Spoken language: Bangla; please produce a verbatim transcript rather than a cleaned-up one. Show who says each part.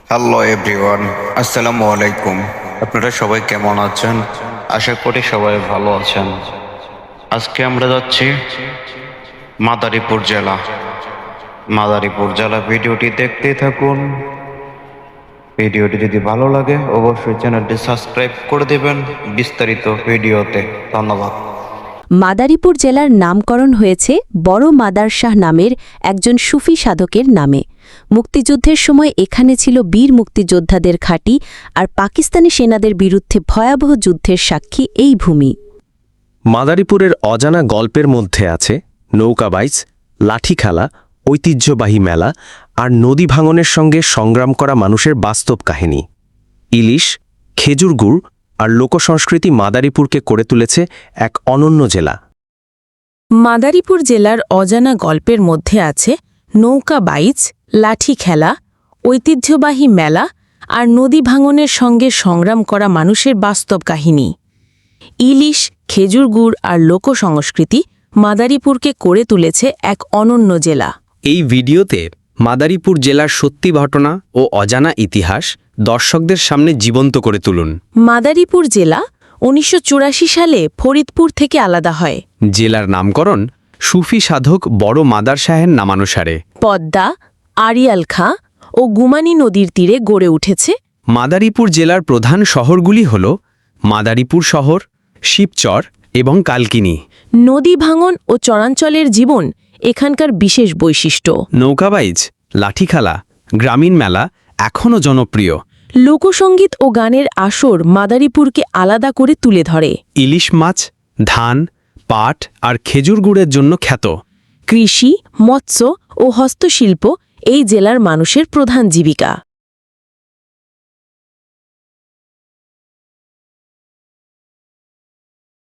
Speaker 1: হ্যালো এভরিওয়ান, আসসালামু আলাইকুম। আপনারা সবাই কেমন আছেন? আশা করি সবাই ভালো আছেন। আজকে আমরা যাচ্ছি মাদারীপুর জেলা। মাদারীপুর জেলা ভিডিওটি দেখতেই থাকুন। ভিডিওটি যদি ভালো লাগে অবশ্যই চ্যানেলটি সাবস্ক্রাইব করে দেবেন বিস্তারিত ভিডিওতে। ধন্যবাদ।
Speaker 2: মাদারীপুর জেলার নামকরণ হয়েছে বড় মাদার শাহ নামের একজন সুফি সাধকের নামে। মুক্তিযুদ্ধের সময় এখানে ছিল বীর মুক্তিযোদ্ধাদের ঘাঁটি, আর পাকিস্তানি সেনাদের বিরুদ্ধে ভয়াবহ যুদ্ধের সাক্ষী এই ভূমি।
Speaker 3: মাদারীপুরের অজানা গল্পের মধ্যে আছে নৌকাবাইজ, লাঠি খেলা, ঐতিহ্যবাহী মেলা আর নদী ভাঙনের সঙ্গে সংগ্রাম করা মানুষের বাস্তব কাহিনী। ইলিশ, খেজুর গুড় আর লোকসংস্কৃতি মাদারীপুরকে করে তুলেছে এক অনন্য জেলা।
Speaker 4: মাদারীপুর জেলার অজানা গল্পের মধ্যে আছে নৌকাবাইজ, লাঠি খেলা, ঐতিহ্যবাহী মেলা আর নদী ভাঙনের সঙ্গে সংগ্রাম করা মানুষের বাস্তব কাহিনী। ইলিশ, খেজুর গুড় আর লোকসংস্কৃতি মাদারীপুরকে করে তুলেছে এক অনন্য জেলা।
Speaker 5: এই ভিডিওতে মাদারীপুর জেলার সত্যি ঘটনা ও অজানা ইতিহাস দর্শকদের সামনে জীবন্ত করে তুলুন।
Speaker 4: মাদারীপুর জেলা উনিশশো চুরাশি সালে ফরিদপুর থেকে আলাদা হয়।
Speaker 5: জেলার নামকরণ সুফি সাধক বড় মাদার শাহের নামানুসারে।
Speaker 4: পদ্মা, আড়িয়াল খাঁ ও গুমানী নদীর তীরে গড়ে উঠেছে।
Speaker 5: মাদারীপুর জেলার প্রধান শহরগুলি হল মাদারীপুর শহর, শিবচর এবং কালকিনি।
Speaker 4: নদী ভাঙন ও চরাঞ্চলের জীবন এখানকার বিশেষ বৈশিষ্ট্য।
Speaker 5: নৌকাবাইজ, লাঠি খেলা, গ্রামীণ মেলা এখনও জনপ্রিয়।
Speaker 4: লোকসঙ্গীত ও গানের আসর মাদারীপুরকে আলাদা করে তুলে ধরে।
Speaker 5: ইলিশ মাছ, ধান, পাট আর খেজুর গুড়ের জন্য খ্যাত।
Speaker 4: কৃষি, মৎস্য ও হস্তশিল্প এই জেলার মানুষের প্রধান জীবিকা।